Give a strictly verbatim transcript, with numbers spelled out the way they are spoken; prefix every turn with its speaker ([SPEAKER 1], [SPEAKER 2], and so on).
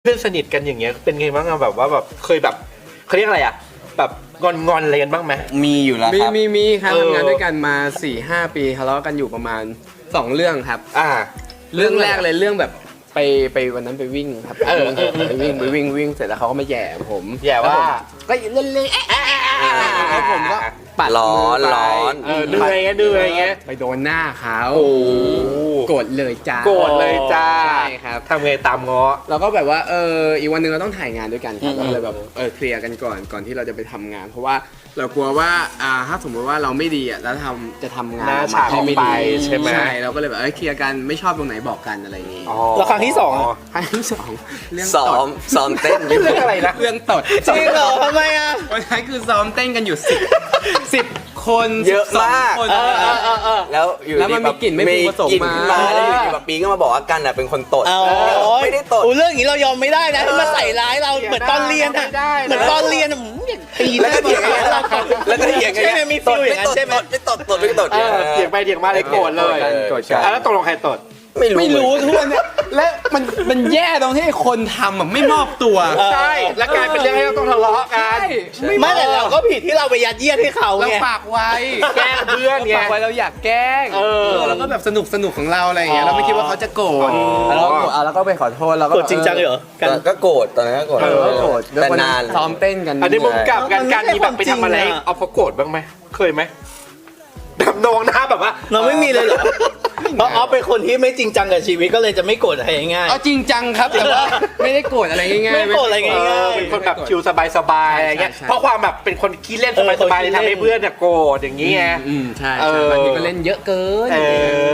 [SPEAKER 1] เพื่อนสนิทกันอย่างเงี้ยเป็นไงบ้างอะแบบว่าแบบเคยแบบเขาเรียกอะไรอะแบบงอนงอนอะไรกันบ้างไหม
[SPEAKER 2] มีอยู่แล้ว
[SPEAKER 3] มี
[SPEAKER 2] ครับ
[SPEAKER 3] มีมีครับ
[SPEAKER 1] เออ
[SPEAKER 3] ทำงานด้วยกันมา สี่ห้า ปีทะเลาะกันอยู่ประมาณสองเรื่องครับ
[SPEAKER 1] อ่า
[SPEAKER 3] เรื่องแรกเลยเรื่องแบบไปไปวันนั้นไปวิ่งครับ
[SPEAKER 1] เออ
[SPEAKER 3] ไปวิ่งไปวิ่งวิ่งเสร็จแล้วเขาก็มาแย่ผม
[SPEAKER 1] แย่ว่า
[SPEAKER 3] ก็เล่นเล่นแล้วผมก็ปัด
[SPEAKER 2] ร้อน
[SPEAKER 3] มืไป
[SPEAKER 2] ร้อน
[SPEAKER 1] เออเหนื่อยไงเหนื่อยไง
[SPEAKER 3] ไปโดนหน้าเขา
[SPEAKER 1] โอ้
[SPEAKER 3] โกรธเลยจ้า
[SPEAKER 1] โกรธเลยจ้า
[SPEAKER 3] ใช่ครับ
[SPEAKER 1] ทำไงตามง้อ
[SPEAKER 3] เราก็แบบว่าเอออีกวันหนึ่งเราต้องถ่ายงานด้วยกันครับ
[SPEAKER 2] อืม
[SPEAKER 3] เราเลยแบบเออเคลียร์กันก่อนก่อนที่เราจะไปทำงาน เพราะว่าเรากลัวว่าอ่าถ้าสมมติว่าเราไม่ดีอ่ะแล้วทำจะทำงาน
[SPEAKER 1] หน้า
[SPEAKER 3] ออก
[SPEAKER 1] ฉาก
[SPEAKER 3] ให้ไม่ดี
[SPEAKER 1] ออกไปใช่ไหม
[SPEAKER 3] ใช่เราก็เลยแบบเออเคลียร์กันไม่ชอบตรงไหนบอกกันอะไรอย่างงี้
[SPEAKER 1] อ๋อ
[SPEAKER 4] แล้วครั้งที่สองอะ
[SPEAKER 3] ครั้งที่สองเรื่อง
[SPEAKER 2] ซ้อ
[SPEAKER 3] ต
[SPEAKER 2] ม
[SPEAKER 3] ด
[SPEAKER 2] ซ้อมเต้นอยู่
[SPEAKER 1] เรื่องอะไรนะ
[SPEAKER 3] เรื่องตด
[SPEAKER 4] จริงเหรอทำไมอ่ะ
[SPEAKER 3] วันนั้นคือซ้อมเต้นกันอยู่สิบสิบคน
[SPEAKER 2] เยอะมาก
[SPEAKER 3] สิบสองคน
[SPEAKER 4] เออเออเออเออ
[SPEAKER 2] แล้วอยู่
[SPEAKER 3] แล้วมันมีกลิ่นไม่พึงประสงค์
[SPEAKER 2] กลิ่น
[SPEAKER 3] มา
[SPEAKER 2] ขึ้นมาแล้วอยู่ดีแบบปีก็มาบอกว่ากันอ่ะเป็นคนตด
[SPEAKER 4] เอา
[SPEAKER 2] ไม่ได้ตด
[SPEAKER 4] โอ้เรื่องอย่างนี้เรายอมไม่ได้นะที่มาใส่ร้ายเราเหมือนตอนเรียนอะ
[SPEAKER 1] ไม่ได้นะ
[SPEAKER 4] เหมือนตอนเรียนอะอืมอย่างตีห
[SPEAKER 2] แล้ว
[SPEAKER 4] น้า
[SPEAKER 2] ก็เถียงกัน
[SPEAKER 4] เรา
[SPEAKER 2] แล้วก็เถียงกัน
[SPEAKER 4] ใช่ไหมมีฟีลอย่างนั้นใช่ไหม
[SPEAKER 2] ไม่ตดตดไม่ตด
[SPEAKER 1] เออเถียงไปเถียงมาเลยโกรธเลย
[SPEAKER 3] โกรธกัน
[SPEAKER 1] อ่ะแล้วตกลงใครตด
[SPEAKER 2] ไม่รู้
[SPEAKER 3] ไม่รู้ทุกวันเนี่ยและมันมันแย่ตรงที่คนทำอ่ะไม่มอบตัว
[SPEAKER 1] ใช่แล้วกลายเป็นเรื่องให้เราต้องทะเลาะกัน
[SPEAKER 4] ไม่แต่เราก็ผิดที่เราไปยัดเยียดให้เขา
[SPEAKER 3] เรา
[SPEAKER 4] ไง
[SPEAKER 3] ฝากไว้
[SPEAKER 1] แกล้งเพื่อนไง
[SPEAKER 3] ฝากไว้เราอยากแกล้ง
[SPEAKER 1] เออ
[SPEAKER 3] แล้วก็แบบสนุกสนุกของเราอะไรอย่างเงี้ย
[SPEAKER 1] อ๋อ
[SPEAKER 3] เราไม่คิดว่าเขาจะโกรธ
[SPEAKER 1] อ๋อ
[SPEAKER 3] แล้วเราก็โกรธอ่ะแล้วก็ไปขอโทษเราก็
[SPEAKER 4] กดจริงจังเลยเหรอกัน
[SPEAKER 2] ก็โกรธตอนนั้นก็โกรธ
[SPEAKER 3] เออโกรธ
[SPEAKER 2] แต่นาน
[SPEAKER 3] ซ้อมเต้นกัน
[SPEAKER 1] อันนี้มุมกลับกัน
[SPEAKER 4] มันไม่
[SPEAKER 1] การ
[SPEAKER 4] ใช่
[SPEAKER 1] มีแบบไป
[SPEAKER 4] ความจริง
[SPEAKER 1] ทำอะไร
[SPEAKER 4] อะ
[SPEAKER 1] เอาเขาโกรธบ้างไหมเคยไหมแบบนองหน้าแบบว่า
[SPEAKER 4] เราไม่มีเลยเหรอเพราะออฟเป็นคนที่ไม่จริงจังกับชีวิตก็เลยจะไม่โกรธใครง่าย
[SPEAKER 3] เอาจริงจังครับแต่ว่าไม่ได้โกรธอะไรง่ายๆ
[SPEAKER 4] ไม่โกรธอะไรง่าย
[SPEAKER 1] เออเป็นคนแบบชิลสบายๆอะไรเงี้ย
[SPEAKER 3] ใช่ใช่
[SPEAKER 1] เพราะความแบบเป็นคนขี้เล่น
[SPEAKER 4] เออ
[SPEAKER 1] สบายๆ
[SPEAKER 4] คนขี้
[SPEAKER 1] เลยทำ
[SPEAKER 4] เล่
[SPEAKER 1] ให้
[SPEAKER 4] น
[SPEAKER 1] เพื่อนเนี่ยโกรธอย่างนี้ไง
[SPEAKER 3] อืมใช่
[SPEAKER 1] เอ
[SPEAKER 3] ใช่
[SPEAKER 1] อ
[SPEAKER 3] บางทีก็เล่นเยอะเกิน
[SPEAKER 1] เออ